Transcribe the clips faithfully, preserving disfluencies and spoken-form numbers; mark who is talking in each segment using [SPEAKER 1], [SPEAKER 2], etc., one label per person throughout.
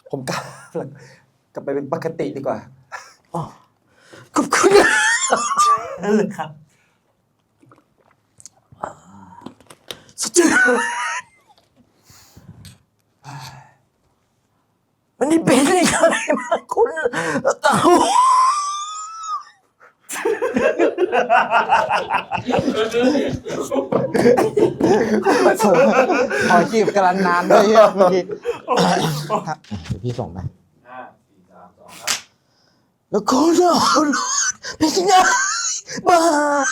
[SPEAKER 1] ผมกลับกลับไปเป็นปกติดีกว่า
[SPEAKER 2] อ๋อขอบคุณนั่นเลยครับสดชื่นวันนี้เป็นอะไรมาคุณเต่า
[SPEAKER 3] ขอจีบกำลังนานด้วยเฮียเมื่อกี้เดี๋ยวพี่ส่งไป
[SPEAKER 4] ห้าสี่สามสองครับ
[SPEAKER 2] แล้วคุณเอาหลอดเป็นยังไงบ้า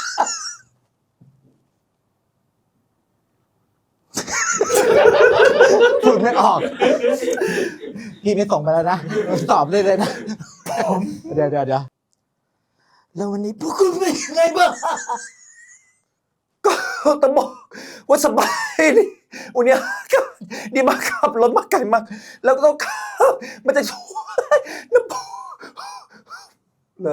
[SPEAKER 3] พูดไม่ออกพี่ไม่ส่งไปแล้วนะตอบได้เลยนะเดี๋ยวเดี๋ยวเดี๋ยว
[SPEAKER 2] แล้ววันนี้พวกคุณเป็นยังไงบ้าง
[SPEAKER 1] ก็ต้องบอกว่าสบายดิวันนี้ก็ดีมากขับรถมาไกลมากแล้วก็ต้องขับมันจะช่วยน้ำพุเลย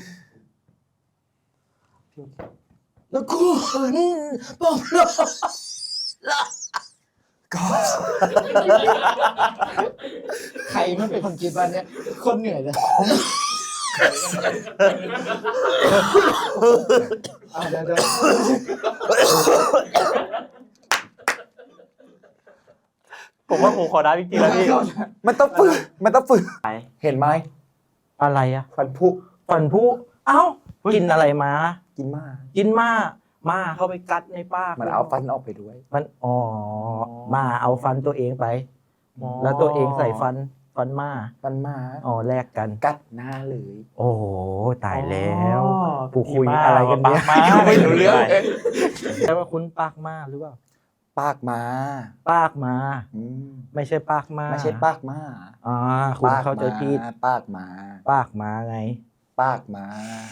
[SPEAKER 2] แล้วคุณบอกเรา
[SPEAKER 1] ก็
[SPEAKER 3] ใครไม่เป็นคนคิดว่าเนี่ยคนเหนื่อยเลยอ่ะเดี๋ยวเดี๋ยว
[SPEAKER 2] ผมว่าผมขอได้จริงๆแล้วพี่
[SPEAKER 1] มันต้องฝึกมันต้องฝึกเห็นไหม
[SPEAKER 2] อะไรอะ
[SPEAKER 1] ฟันผุ
[SPEAKER 2] ฝันผู้เอ้ากินอะไรมา
[SPEAKER 1] กินมาก
[SPEAKER 2] กินมามาเข้าไปกัดในปาก
[SPEAKER 1] มันเอาฟันออกไปด้วย
[SPEAKER 2] มันอ๋อมาเอาฟันตัวเองไป แล้วตัวเองใส่ฟันฟันมา
[SPEAKER 1] ฟันมา
[SPEAKER 2] อ๋อแลกกัน
[SPEAKER 1] กัดหน้าเลย
[SPEAKER 2] โอ้โหตายแล้วผู้คุยอะไรกันเนี่ย
[SPEAKER 1] ไม่รู้เรื่อง
[SPEAKER 2] ใช่ว่าคุณปากมาหรือเปล่า
[SPEAKER 1] ปากมา
[SPEAKER 2] ปากมา
[SPEAKER 1] อืม
[SPEAKER 2] ไม่ใช่ปากมา
[SPEAKER 1] ไม่ใช่ปากมา
[SPEAKER 2] อ่าคุณเข้าใจผิด
[SPEAKER 1] ปากมา
[SPEAKER 2] ปากมาไง
[SPEAKER 1] ปากมา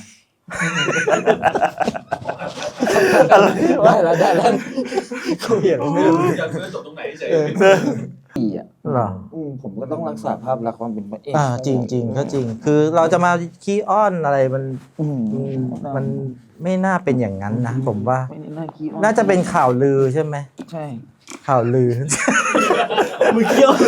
[SPEAKER 3] ได้แล้วได้แล้ว
[SPEAKER 2] คุยอะไรไม่รู้
[SPEAKER 4] อยากคือจบตรงไหนเฉย
[SPEAKER 1] อีอ่ะ
[SPEAKER 2] เหรอ
[SPEAKER 1] อืมผมก็ต้องรักษาภาพลักษณ์ความเป็นพระเอก
[SPEAKER 2] อ่าจริงจริงก็จริง คือเราจะมาขี้อ้อนอะไรมัน
[SPEAKER 1] อืม
[SPEAKER 2] มันไม่น่าเป็นอย่างนั้นนะผมว่า
[SPEAKER 1] ไม่น่าคิด
[SPEAKER 2] น่าจะเป็นข่าวลือใช่ไหม
[SPEAKER 1] ใช่
[SPEAKER 2] ข่าวลือ
[SPEAKER 3] มือเกี้ยว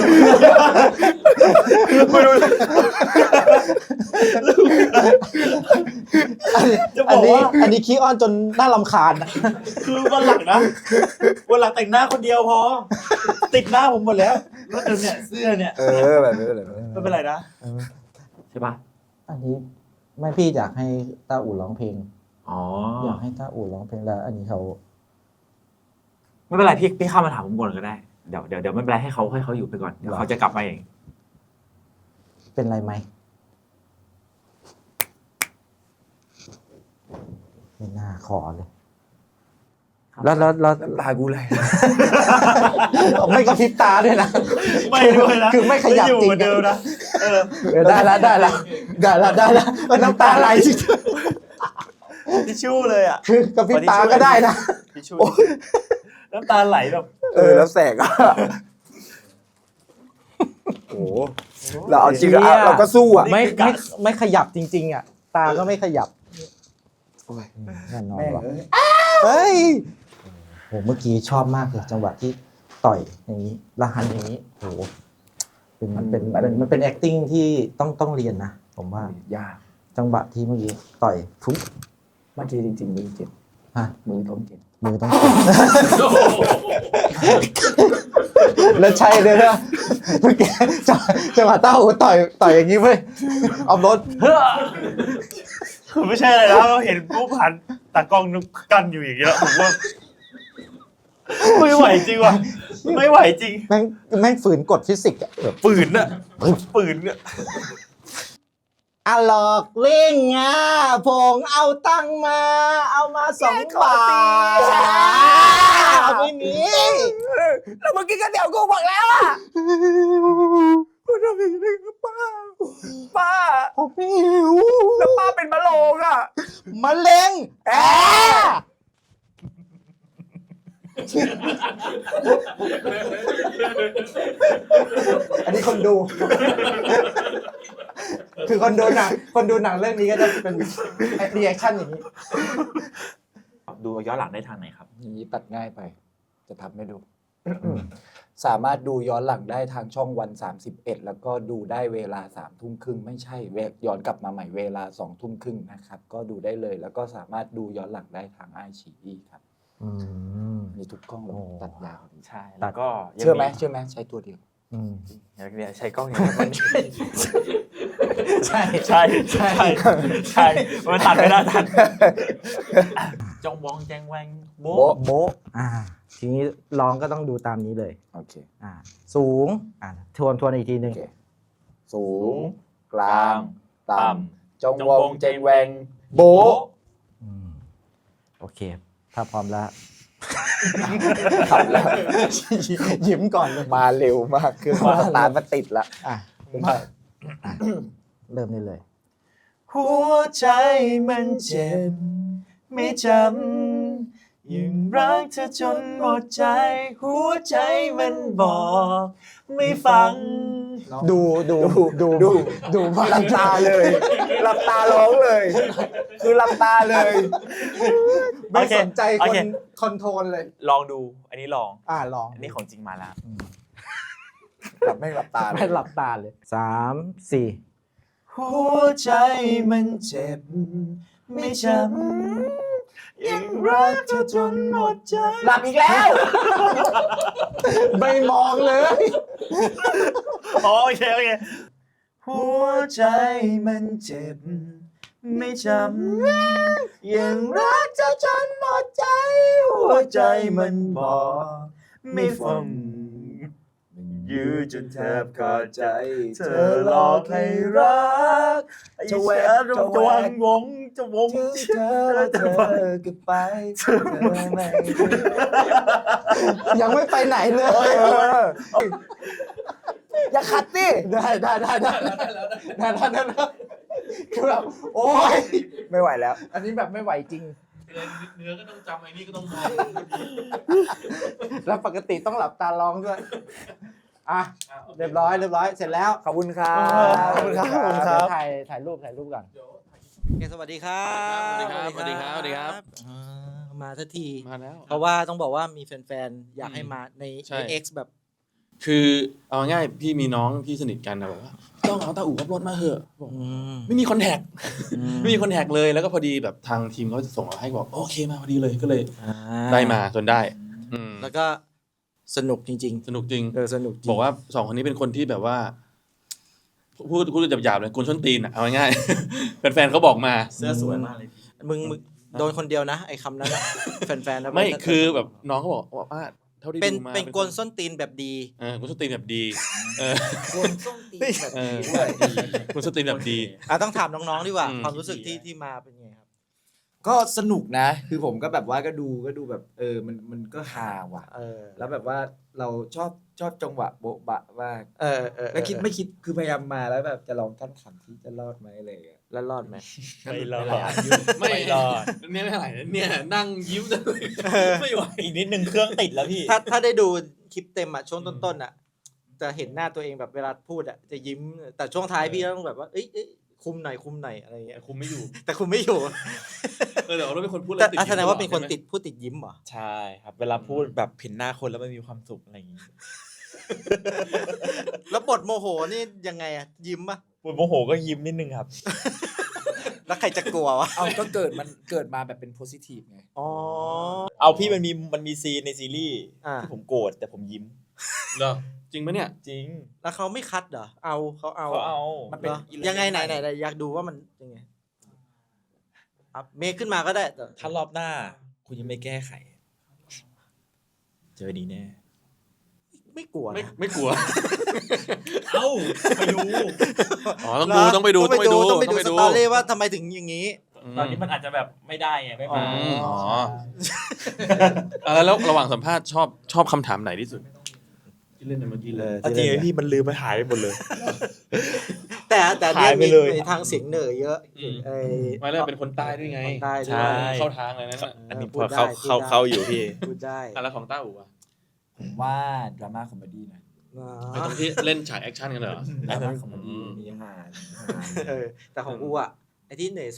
[SPEAKER 3] อันนี้อันนี้ขี้อ้อนจนน่ารำคาญนะ
[SPEAKER 5] คือวันหลังนะวันหลังแต่งหน้าคนเดียวพอ ติดหน้าผมหมดแล้วแล้วเดี๋ยวเนี่ยเสื้อเนี่ย
[SPEAKER 1] เออแบบนี้แบบนี้
[SPEAKER 5] ไม่เป็นไรนะใช่ปะ
[SPEAKER 3] อันนี้ไม่พี่อยากให้ต้าอู่ร้องเพลง
[SPEAKER 5] อ๋อ
[SPEAKER 3] อยากให้ต้าอู่ร้องเพลงแล้ว อันนี้เขา
[SPEAKER 5] ไม่เป็นไรพี่พี่เข้ามาถามผมก่อนก็ได้เดี๋ยวเดี๋ยวเดี๋ยวไม่เป็นไรให้เขาให้เขาอยู่ไปก่อนเดี๋ยวเขาจะกลับมาเอง
[SPEAKER 3] เป็นไรไหมไม่น่าขอเลย
[SPEAKER 2] แล้วแล้วแล้ว
[SPEAKER 1] น้ำตากูไหล
[SPEAKER 3] ไม่กระพริบตาด้วยนะ
[SPEAKER 5] ไม่ด้วยนะ
[SPEAKER 3] คือไม่ขยับ
[SPEAKER 5] อยู่
[SPEAKER 3] จริง
[SPEAKER 5] เหมือนเดิมนะเออ
[SPEAKER 3] เออได้ละได้ละได้ละได้ละมันน้ำตาไหลจริง
[SPEAKER 5] ทิชชู่เลยอ่ะ
[SPEAKER 3] คือกระพริบตาก็ได้นะ
[SPEAKER 5] ทิชชู่น้ำตาไหลแบบ
[SPEAKER 1] เออแล้วแสกอ่ะโอ้เราเอาจริงอ่ะเราก็สู้อ่ะ
[SPEAKER 3] ไม่ไม่ไม่ขยับจริง ๆ อ่ะ ตาก็ไม่ขยับ
[SPEAKER 1] โอ้ย
[SPEAKER 3] แน่นอน
[SPEAKER 1] แม่ง
[SPEAKER 3] ว่ะ
[SPEAKER 1] เอ้ย
[SPEAKER 3] เฮ้ยโหเมื่อกี้ชอบมากเลยจังหวะที่ต่อยอย่างนี้และหันอย่างนี้โหเป็นมันเป็นมันมันเป็น acting ที่ต้องต้องเรียนนะผมว่าย
[SPEAKER 1] าก
[SPEAKER 3] จังหวะที่เมื่อกี้ต่อยทุบ
[SPEAKER 1] เมื่อกี้จริงๆมือเจ็บ
[SPEAKER 3] ฮะ
[SPEAKER 1] มือต้องเจ็บ
[SPEAKER 3] มือต้องแล้วใช่เลยนะเมื่อกี้จังจังหวะเต้าหูต่อยต่อยอย่างนี้เว้ยเอารถ
[SPEAKER 5] คือไม่ใช่อะไรแล้วเห็นผู้ผ่านตากล้องนุกกันอยู่อย่างเงี้ยผมว่าไม่ไหวจริงว่ะไม่ไหวจริง
[SPEAKER 3] แม่งแม่งฝืนกฎฟิสิกส์อะแบบ
[SPEAKER 5] ปืนอะปืนอะ
[SPEAKER 3] อะหลอกเล่งอ่ะผงเอาตังมา เอามาสองบาทเอาไม่มี
[SPEAKER 1] แล้วเมื่อกี้ก็เดี๋ยวกูบอกแล้วอ่ะกูทำอย่างนี้กับป้าป้า
[SPEAKER 3] ผมไม่หิว
[SPEAKER 1] แล้วป้าเป็นมะโรงอ่ะ
[SPEAKER 3] มะเร็งแอ อันนี้คนดู คือคนดูหนังคนดูหนังเรื่องนี้ก็จะเป็นรีแอคชั่นอย่างนี้
[SPEAKER 5] ดูย้อนหลังได้ทางไหนครับ
[SPEAKER 1] นี้ตัดง่ายไป จะทำให้ดูสามารถดูย้อนหลังได้ทางช่องวันสามสิบเอ็ดแล้วก็ดูได้เวลาสามทุ่มครึ่งไม่ใช่เวลย้อนกลับมาใหม่เวลาสองทุ่มครึ่งนะครับก็ดูได้เลยแล้วก็สามารถดูย้อนหลังได้ทางไอชีอีครับ
[SPEAKER 3] อืม
[SPEAKER 1] มีทุกกล้องเลย
[SPEAKER 3] โอ้
[SPEAKER 1] ตัดยาว
[SPEAKER 5] ใช่แล้วก็ยัง
[SPEAKER 1] เชื่อไหม
[SPEAKER 5] มี
[SPEAKER 1] เชื่อไหมใช้ตัวเดียว
[SPEAKER 3] อืม
[SPEAKER 5] เนี่ยใช้กล้องอย่างนี้มัน
[SPEAKER 3] ใช่
[SPEAKER 5] ใช่ใช่ใช่มันตัดไม่ได้ทันจองวองแจงแวงโบะ
[SPEAKER 1] โบ๊ะ
[SPEAKER 3] โบะอ่า ทีนี้ลองก็ต้องดูตามนี้เลย
[SPEAKER 1] โอเค
[SPEAKER 3] อ่า สูง อ่าทวนทวนอีกทีหนึ่
[SPEAKER 1] โอง เคสูงกลาง
[SPEAKER 5] ต่
[SPEAKER 1] ต่ำจงวงเจงแวงโบะ
[SPEAKER 3] อืมโอเค ถ้าพร้อมแล้ว
[SPEAKER 1] ทำแล้ว
[SPEAKER 3] ยิ้มก่อนเลย
[SPEAKER 1] มาเร็วมากคือสตาร์ทมาติดละ
[SPEAKER 3] อ่ะ
[SPEAKER 5] มา
[SPEAKER 3] เริ่มได้เลย
[SPEAKER 5] หัวใจมันเจ็บไม่จำยังรักเธอจนหมดใจ หัวใจมันบอกไม่ฟัง
[SPEAKER 3] ดูดูดู
[SPEAKER 1] ดู
[SPEAKER 3] ดูพ
[SPEAKER 1] หลับตาเลยหลับตาร้องเลย คือหลับตาเลย
[SPEAKER 3] ไม่สนใจ
[SPEAKER 5] โอ
[SPEAKER 3] คน
[SPEAKER 5] เค
[SPEAKER 3] คอนโทรลเลย
[SPEAKER 5] ลองดู อันนี้ลอง
[SPEAKER 3] อ่าลอง
[SPEAKER 5] อันนี้ของจริงมาแล้ว
[SPEAKER 1] หลับไม่หลับตาเล
[SPEAKER 3] ไม่
[SPEAKER 1] ย
[SPEAKER 3] หลับตาเลยสามสี่
[SPEAKER 5] หัวใจมันเจ็บไม่จำยังรักเธอจนหมดใจ
[SPEAKER 1] หลับอีกแล้ว
[SPEAKER 3] ไม่มองเลย
[SPEAKER 5] อ๋อโอเคโอเคหัวใจมันเจ็บไม่จำยังรักเธอจนหมดใจ หัวใจมันบอกไม่ฟังยื้อจนแทบขาดใจ เธอหลอกให้รักจะแหวกจะวางวงจะวง
[SPEAKER 1] เธอเธอก็ไปเธอไม่
[SPEAKER 3] ยังไม่ไปไหนเลย
[SPEAKER 1] อย่าขัดสิ
[SPEAKER 3] ได้ได้ได้ได้ได้ได้ได้ได้คือแบบโอ้ย
[SPEAKER 1] ไม่ไหวแล้ว
[SPEAKER 3] อันนี้แบบไม่ไหวจริง
[SPEAKER 4] เนื้อก็ต้องจำไอ้นี่ก็ต้องมอง
[SPEAKER 3] แล้วปกติต้องหลับตาร้องด้วย อ่ะ เรียบร้อยเรียบร้อยเสร็จแล้ว
[SPEAKER 1] ขอบคุณครับ
[SPEAKER 5] ขอบคุณครับขอบคุณครับ
[SPEAKER 3] เดี๋ยวถ่ายถ่ายรูปถ่ายรูปก่อนโอเคสวัสดีครับ
[SPEAKER 4] สวัสดีครับสวัสดีครับสวัสดีครับ
[SPEAKER 3] อ่ามาสักที
[SPEAKER 4] มาแล้ว
[SPEAKER 3] เพราะว่าต้องบอกว่ามีแฟนๆ อยากให้มาใน
[SPEAKER 4] ใช่
[SPEAKER 3] ใน X แบบ
[SPEAKER 4] คือเอาง่ายพี่มีน้องที่สนิทกันนะบอกว่าต้องเอาตาอู่ขับรถมาเหอะบอก
[SPEAKER 3] อืม
[SPEAKER 4] ไม่มีคอนแทค
[SPEAKER 3] อืม
[SPEAKER 4] ไม่มีคอนแทคเลยแล้วก็พอดีแบบทางทีมเขาจะส่งมาให้บอกโอเคมาพอดีเลยก็เลย
[SPEAKER 3] อ่า
[SPEAKER 4] ได้มาจนได้อืม
[SPEAKER 3] แล้วก็สนุกจริง
[SPEAKER 4] สนุกจริง
[SPEAKER 3] ๆ เออสนุกจริง
[SPEAKER 4] บอกว่าสองคนนี้เป็นคนที่แบบว่าพูดพูดหยาบๆเลยกุนส้นตีนอ่ะเอาง่ายๆ แฟนๆเขาบอกมา
[SPEAKER 5] เสื้อสวยมากเลย
[SPEAKER 3] มึงมึงโดนคนเดียวนะ ไอ้คำนั้นนะ แฟนๆนะ
[SPEAKER 4] ไม่คือแบบน้องเขาบอกว่าเท่าที่
[SPEAKER 3] เป็น
[SPEAKER 4] ดูมา
[SPEAKER 3] เป็นกลส้นตีนแบบดี
[SPEAKER 4] เออกุนส้นตีนแบบดีเออก
[SPEAKER 3] ลส้นตีนแบบ
[SPEAKER 4] เออ
[SPEAKER 3] ดี
[SPEAKER 4] กุนส้นตีนแบบดี
[SPEAKER 3] อ่ะต้องถามน้องๆดีกว่า
[SPEAKER 4] อืม
[SPEAKER 3] ความรู้สึกที่ที่มาเป็นไงครับ
[SPEAKER 1] ก็สนุกนะ คือผมก็แบบว่าก็ดูก็ดูแบบเออมันมันก็ฮาว่ะ
[SPEAKER 3] เออ
[SPEAKER 1] แล้วแบบว่าเราชอบชอบจังหวะโบ๊ะบะมาก
[SPEAKER 3] เออเออ
[SPEAKER 1] แล้วคิดไม่คิดคือพยายามมาแล้วแบบจะลองกั้นขำที่จะรอดไหมอะไรอย่างเงี้ย
[SPEAKER 3] แล้วรอดไหม
[SPEAKER 5] ไม่รอด
[SPEAKER 4] ไม่
[SPEAKER 5] ไม่รอด
[SPEAKER 4] เนี่ยไม่ไหวเนี่ยนั่งยิ้มจะไม่ไหว
[SPEAKER 5] อีกนิดนึงเครื่องติดแล้วพี่
[SPEAKER 3] ถ้าถ้าได้ดูคลิปเต็มอ่ะช่วงต้นๆอ่ะจะเห็นหน้าตัวเองแบบเวลาพูดอ่ะจะยิ้มแต่ช่วงท้ายพี่ต้องแบบว่าเอ้ยเอ้ยคุมหน่อยคุมหน่อยอะไรอย่างเงี้ย
[SPEAKER 4] คุมไม่อยู่
[SPEAKER 3] แต่คุมไม่อยู่
[SPEAKER 4] เออแต่เราเป็นคนพูด
[SPEAKER 3] แต่
[SPEAKER 4] แล้วติด
[SPEAKER 3] อ่ะแสดงว่าเป็นคน
[SPEAKER 4] ใช่ไหม
[SPEAKER 3] ติดพูดติดยิ้มเหรอ
[SPEAKER 5] ใช่ครับ เวลาพูดแบบเห็นหน้าคนแล้วมันมีความสุขอะไรอย่างงี้
[SPEAKER 3] แล้วบทโมโหนี่ยังไงอ่ะยิ้มป่ะ
[SPEAKER 5] ปวดโมโหก็ยิ้มนิดนึงครับ
[SPEAKER 3] แล้วใครจะกลัววะ
[SPEAKER 1] เอาก็เกิดมันเกิดมาแบบเป็นโพสิทีฟไง
[SPEAKER 3] อ๋อ
[SPEAKER 5] เอาพี่มันมีมันมีซีนในซีรีส์
[SPEAKER 3] อ่า
[SPEAKER 5] ที่ผมโกรธแต่ผมยิ้ม
[SPEAKER 4] เหรอจริงปะเนี่ย
[SPEAKER 5] จริง
[SPEAKER 3] แล้วเขาไม่คัดเหรอเอาเขาเอา
[SPEAKER 5] เขาเอา
[SPEAKER 1] มันเป็น
[SPEAKER 3] เหรอยังไงไหนไหนไหนอยากดูว่ามันยังไงอ่ะเมคขึ้นมาก็ได้แต่
[SPEAKER 5] ถ้ารอบหน้า คุณยังไม่แก้ไข เจอดีแน่
[SPEAKER 3] ไม่กลัว
[SPEAKER 4] ไม่
[SPEAKER 3] นะ
[SPEAKER 4] ไม่กลัว
[SPEAKER 5] เอ้าไปดู
[SPEAKER 4] อ๋อต้องดูต้องไปดูต้องไปดู
[SPEAKER 3] ต้องไปดู
[SPEAKER 4] ต้องไป
[SPEAKER 3] ส
[SPEAKER 4] ดู
[SPEAKER 3] ตอรี่ว่าทำไมถึงอย่างนี้
[SPEAKER 5] ตอนนี้มันอาจจะแบบไม่ได้ไงไม่
[SPEAKER 3] อ๋อ
[SPEAKER 5] มา
[SPEAKER 4] อ๋อเออแล้วระหว่างสัมภาษณ์ชอบชอบคำถามไหนที่สุดที่เล่นในเมื่อกี้เลย
[SPEAKER 5] จริงๆพี่มันลืมไปหายไปหมดเลย
[SPEAKER 3] แต่แต่
[SPEAKER 5] หายไป
[SPEAKER 3] มี
[SPEAKER 5] เลย
[SPEAKER 3] ในทางเสียงเหนือเยอะ
[SPEAKER 4] อืม
[SPEAKER 3] ไอ้
[SPEAKER 4] ไม่แล้วเป็นคนใต้ด้วยไง
[SPEAKER 3] คนใต้ด้วย
[SPEAKER 5] ใช่
[SPEAKER 4] เข้าทางเลยนั่นน่ะ
[SPEAKER 5] อันนี้
[SPEAKER 3] พู
[SPEAKER 5] พ
[SPEAKER 3] ด
[SPEAKER 5] อ
[SPEAKER 3] ได้
[SPEAKER 5] เข้า
[SPEAKER 3] พูด
[SPEAKER 5] เข้า
[SPEAKER 3] ได้
[SPEAKER 5] เข้าอยู่พี่
[SPEAKER 3] พูดได้
[SPEAKER 4] อ่ะแล้วของต้าอู๋อ่ะ
[SPEAKER 1] ผมว่าดราม่าคอมเมดี้นะ
[SPEAKER 3] อ๋อ
[SPEAKER 4] ไอ้ตรงที่เล่นฉากแอคชั่นกันเหรอ
[SPEAKER 1] ดราม่าคอมเมดี้มีฮา
[SPEAKER 3] เออแต่ของกูอ่ะไอ้ที่เหนื่อยสุดอ่ะ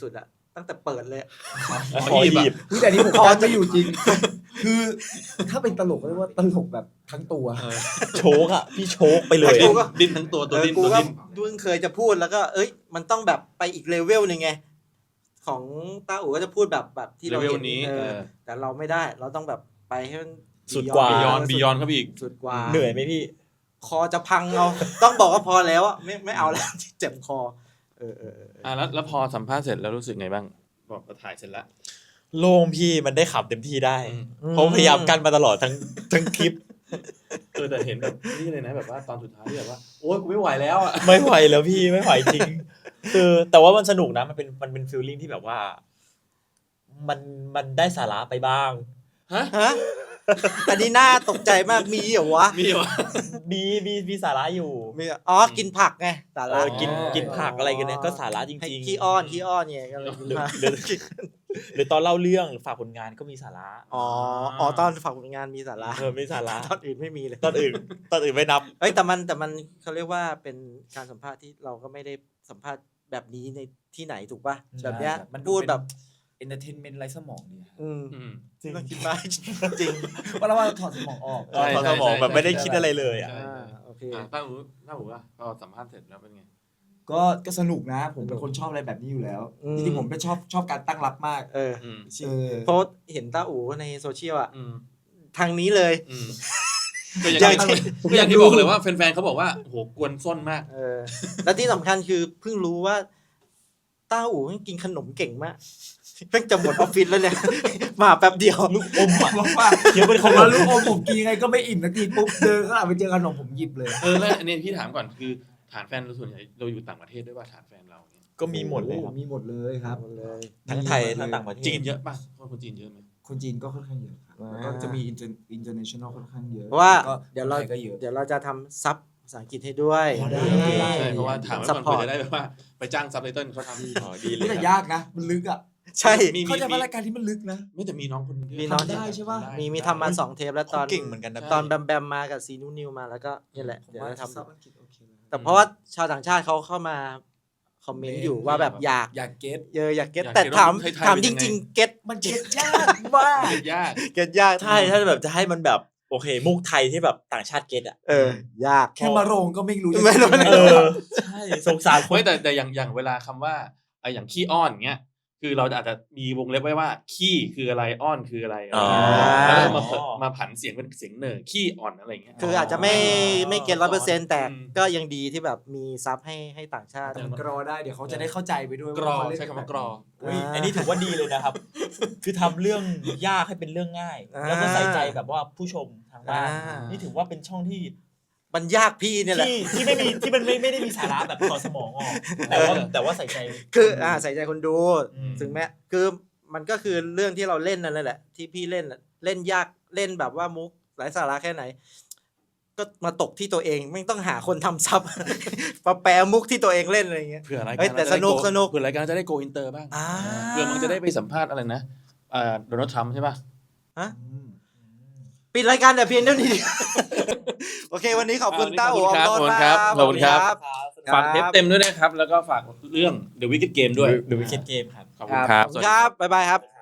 [SPEAKER 3] ตั้งแต่เปิดเลย
[SPEAKER 4] ขอหยิบ
[SPEAKER 5] อุ๊ยแต่อันนี้ผมคอนจะอยู่จริง คือถ้าเป็นตลกก็เรียกว่าตลกแบบทั้งตัว
[SPEAKER 2] โชกอ่ะพี่โชกไปเลย
[SPEAKER 3] กู
[SPEAKER 2] อะ
[SPEAKER 3] ก็
[SPEAKER 4] ดิ้นทั้งตัวตัว
[SPEAKER 3] เออ
[SPEAKER 4] ดิ้น
[SPEAKER 3] กู
[SPEAKER 4] ตัว
[SPEAKER 3] ก็
[SPEAKER 4] ดิ้น
[SPEAKER 3] เพิ่งเคยจะพูดแล้วก็ เอ้ย มันต้องแบบไปอีกเลเวลหนึ่งไง ของต้าอู๋ก็จะพูดแบบแบบที่
[SPEAKER 4] เล
[SPEAKER 3] เรา
[SPEAKER 4] เวล
[SPEAKER 3] เห็น
[SPEAKER 4] นี้
[SPEAKER 3] เอ
[SPEAKER 4] เอ
[SPEAKER 3] อ
[SPEAKER 4] อ
[SPEAKER 3] แต่เราไม่ได้เราต้องแบบไปให้มัน
[SPEAKER 2] สุดกว่า
[SPEAKER 4] บียอน
[SPEAKER 3] สุ
[SPEAKER 4] บียอนเข้าไปอีก
[SPEAKER 3] สุดกว่า
[SPEAKER 2] เหนื่อยไหมพี่
[SPEAKER 3] คอจะพังเอา ต้องบอกว่าพอแล้วอ่ะไม่ไม่เอาแล้ว เจ็บคอ เออเออเออ
[SPEAKER 4] อ่ะแล้วแล้วพอสัมภาษณ์เสร็จแล้วรู้สึกไงบ้างบอกเราถ่ายเสร็จแล้ว
[SPEAKER 2] โล่งพี่มันได้ขับเต็มที่ได้
[SPEAKER 4] อืม
[SPEAKER 2] เพราะพยายามกันมาตลอดทั้งทั้งคลิป
[SPEAKER 4] เออแต่เห็นแบบนี่เลยนะแบบว่าตอนสุดท้ายที่แบบว่าโอ๊ยกูไม่ไหวแล้วอ่ะ
[SPEAKER 2] ไม่ไหวแล้วพี่ไม่ไหวจริง คือแต่ว่ามันสนุกนะมันเป็นมันเป็นฟีลลิ่งที่แบบว่า มันมันได้สาระไปบ้าง
[SPEAKER 4] ฮะ
[SPEAKER 3] ฮะ อันนี้น่าตกใจมากมีเหรอวะ
[SPEAKER 4] มีวะ
[SPEAKER 2] มีมีมีสาระอยู่
[SPEAKER 3] มีอ๋อกินผักไงสา
[SPEAKER 2] เอ
[SPEAKER 3] ระ
[SPEAKER 2] อกินกินผักอะไรกันเนี่ยก็สาระจ
[SPEAKER 3] ให้
[SPEAKER 2] ริงๆ
[SPEAKER 3] ขี้อ้อนขี้อ้อนเนี่ยก็เลยกินผัก
[SPEAKER 2] หรือหรือตอนเล่าเรื่องหรือฝากผลงานก็มีสาระ
[SPEAKER 3] อ๋ออ๋อตอนฝากผลงานมีสาระ
[SPEAKER 2] เออมีสาระ
[SPEAKER 3] ตอนอื่นไม่มีเลย
[SPEAKER 2] ตอนอื่นตอนอื่นไม่นับ
[SPEAKER 3] เอ้ยแต่มันแต่มันเขาเรียกว่าเป็นการสัมภาษณ์ที่เราก็ไม่ได้สัมภาษณ์แบบนี้ในที่ไหนถูกป่ะแบบเนี้ย
[SPEAKER 5] มันดู
[SPEAKER 3] พูด
[SPEAKER 5] เป็น
[SPEAKER 3] แบบ
[SPEAKER 5] เอนเตอร์เทนเมนต์ไร้สมองดี
[SPEAKER 3] อืม
[SPEAKER 4] อืม
[SPEAKER 2] จริง
[SPEAKER 3] น่าคิดมากจริง
[SPEAKER 5] ว่าเราว่าเราถอดสมองออก
[SPEAKER 2] เออพอสมองแบบไม่ได้คิดอะไรเลยอ่ะ
[SPEAKER 4] ใช่
[SPEAKER 3] อ่าโอเค
[SPEAKER 4] อ่ะตั้งหูตั้งหูว่าพอสัมภาษณ์เสร็จแล้วเป็นไง
[SPEAKER 5] ก็ก็สนุกนะ ผมเป็นคนชอบอะไรแบบนี้อยู่แล้ว
[SPEAKER 3] อืม
[SPEAKER 5] จริงๆผมเป็นชอบชอบการตั้งรับมาก
[SPEAKER 3] เออ
[SPEAKER 4] อืม
[SPEAKER 5] เออ
[SPEAKER 3] โพสต์เห็นต้าอู๋ในโซเชียลอะ
[SPEAKER 4] อืม
[SPEAKER 3] ทางนี้เลย
[SPEAKER 4] อืมก็อย่างที่ก็อย่างที่บอกเลยว่าแฟนๆเขาบอกว่าโหกวนส้นมาก
[SPEAKER 3] เออ แล้วที่สำคัญคือเพิ่งรู้ว่าต้าอู๋กินขนมเก่งมากเพิ่งจะหมดออฟฟิศแล้วเนี่ย มาแป๊บเดียว
[SPEAKER 2] ลูกอมอ่ะ
[SPEAKER 5] บอกว่า
[SPEAKER 2] เคี้ยวเป็นข
[SPEAKER 5] ผม
[SPEAKER 2] น
[SPEAKER 5] ว่าม ลูกอมผมกินยังไงก็ไม่อิ่มสักทีปุ๊บเดินข้างหลังไปเจอขนมผมหยิบเลย
[SPEAKER 4] เออแล้วอันนี้พี่ถามก่อนคือฐานแฟนเราส่วนใหญ่เราอยู่ต่างประเทศด้วยว่าฐานแฟนเราเนี่ย
[SPEAKER 2] ก็มีหมดเลยครับ
[SPEAKER 5] มีหมดเลยครับ
[SPEAKER 3] หมดเลย
[SPEAKER 2] ทั้งไทยทั้งต่างประเทศ
[SPEAKER 4] จีนเยอะป่ะคนคนจีนเยอะไหม
[SPEAKER 5] คนจีนก็ค่อนข้างเยอะครับแล้วก็จะมี inter- international ค่อนข้างเยอะ
[SPEAKER 3] เพราะว่า
[SPEAKER 5] แล้ก็
[SPEAKER 3] เดี๋ยวเรา
[SPEAKER 5] คนไทก็เยอะ
[SPEAKER 3] เดี๋ยวเราจะทำซับภาษาอังกฤษให้ด้วย
[SPEAKER 5] อ๋อได้
[SPEAKER 3] นี่
[SPEAKER 4] ใช่เพราะว่าถามไว้ก่อน
[SPEAKER 3] ซัพพ
[SPEAKER 4] เพื่
[SPEAKER 3] อ
[SPEAKER 4] อ
[SPEAKER 3] ร์ต
[SPEAKER 4] จะได้แบบว่าไปจ้างซับไตเติ้ลเขาทำ
[SPEAKER 2] อ๋อดีเล
[SPEAKER 5] นี่
[SPEAKER 2] ย
[SPEAKER 5] แต่
[SPEAKER 2] ครับ
[SPEAKER 5] ยากนะ มันลึกอ่ะ
[SPEAKER 3] ใช่
[SPEAKER 4] มี
[SPEAKER 5] เข้าใจ
[SPEAKER 4] มี
[SPEAKER 5] ว่ารายการที่มันลึกนะ
[SPEAKER 4] ไม่แต่มีน้องคนหนึง
[SPEAKER 3] มีน้อง
[SPEAKER 5] ทำได้ใช่ปะ
[SPEAKER 3] มีมีทำมาสองเทปแล้วตอน
[SPEAKER 2] เขาเก่งเหมือนกันนะ
[SPEAKER 3] ตอนแบมแบมมากับซีนูนิวมาแล้วก็นี่แหละ
[SPEAKER 5] ผม
[SPEAKER 3] เดี๋ยว
[SPEAKER 5] ว่า
[SPEAKER 3] จะทำ
[SPEAKER 5] ซับอังกฤษโอเคเลย
[SPEAKER 3] แต่เพราะว่าชาวต่างชาติเขาเข้ามาคอมเมนต์อยู่ว่าแบบอยาก
[SPEAKER 5] อยากเก็ต
[SPEAKER 3] เยอะอยากเก็ตแต่ถามถามจริง ๆ เก็ต
[SPEAKER 5] มันเก็ตยากมาก
[SPEAKER 4] เก็ตยาก
[SPEAKER 3] เก็ตยาก
[SPEAKER 2] ใช่ถ้าแบบจะให้มันแบบโอเค มุกไทยที่แบบต่างชาติเก็ตอ่ะ
[SPEAKER 3] เออยาก
[SPEAKER 5] แค่มาโรงก็ไม่รู้จะ
[SPEAKER 3] ไม่รู้
[SPEAKER 5] ยังง
[SPEAKER 2] เออใช่สงสารคน
[SPEAKER 4] ไม่แต่แต่อย่างอย่างเวลาคำว่าไออย่างขี้อ้อนเงี้ยคือเราอาจจะมีวงเล็บไว้ว่าขี้คืออะไรอ้อนคืออะไร
[SPEAKER 2] อ๋อ
[SPEAKER 4] แล้วก็มาเผมาผันเสียงเป็นเสียงเหน่อขี้อ่อนอะไรเงี้ย
[SPEAKER 3] คืออาจจะไม่ไม่เก็ตร้อยเปอร์เซ็นต์แต่
[SPEAKER 4] อืม
[SPEAKER 3] ก็ยังดีที่แบบมีซับให้ให้ต่างชาติ
[SPEAKER 5] แต่มันกรอได้เดี๋ยวเขาจะได้เข้าใจไปด้วย
[SPEAKER 4] กรอ
[SPEAKER 5] ว่าเขาเล่น
[SPEAKER 4] ใช้คำว่ากรอ
[SPEAKER 2] อุ๊ยอันนี้ถือว่าดีเลยนะครับ คือทำเรื่องยากให้เป็นเรื่องง่าย แล้วก็ใส่ใจแบบว่าผู้ชมทางบ้าน
[SPEAKER 3] อ่า
[SPEAKER 2] นี่ถือว่าเป็นช่องที่
[SPEAKER 3] มันยากพี่เนี่ยแหละ
[SPEAKER 2] ที่ที่ไม่มีที่มันไม่ไม่ได้มีสาระแบบถอดสมองออก แต่ว่าแต่ว่าใส่ใจ
[SPEAKER 3] คืออ่าใส่ใจคนดู
[SPEAKER 2] อืม
[SPEAKER 3] ถึงแม้คือมันก็คือเรื่องที่เราเล่นนั่นแหละ ที่พี่เล่นน่ะเล่นยากเล่นแบบว่ามุกหลายสาระแค่ไหน ก็มาตกที่ตัวเองไม่ต้องหาคนทำซับ มาแปลมุกที่ตัวเองเล่นอะไรอย่างเงี้ย
[SPEAKER 4] เผื่อราย
[SPEAKER 3] เฮ้
[SPEAKER 4] การ
[SPEAKER 3] ยแต่
[SPEAKER 4] เราจะได้
[SPEAKER 3] สนุก
[SPEAKER 4] โ
[SPEAKER 3] สนุก
[SPEAKER 4] เผื่อรายการจะได้โกอินเตอร์บ้าง
[SPEAKER 3] อ่า
[SPEAKER 4] เผื่อมันจะได้ไปสัมภาษณ์อะไรนะอ่าโดนัลด์ทรัมป์ใช่ป่ะ
[SPEAKER 5] อืม
[SPEAKER 3] ปิดรายการแต่เพียงเท่านี้ โอเค วันนี้ขอบคุณ
[SPEAKER 4] อ่า
[SPEAKER 3] ต้า
[SPEAKER 4] ขอบ
[SPEAKER 3] อู
[SPEAKER 4] คุณครับ
[SPEAKER 3] ออมโนน
[SPEAKER 4] ขอบคุณครับ
[SPEAKER 3] มาก
[SPEAKER 4] ขอบคุณครับ ฝากเทปเต็มด้วยนะครับ แล้วก็ฝากเรื่อง The Wicked Game ด้วย
[SPEAKER 2] The Wicked Game ครับ
[SPEAKER 4] ขอบคุณครับ
[SPEAKER 3] ขอบคุณครับ บ๊ายบายครับ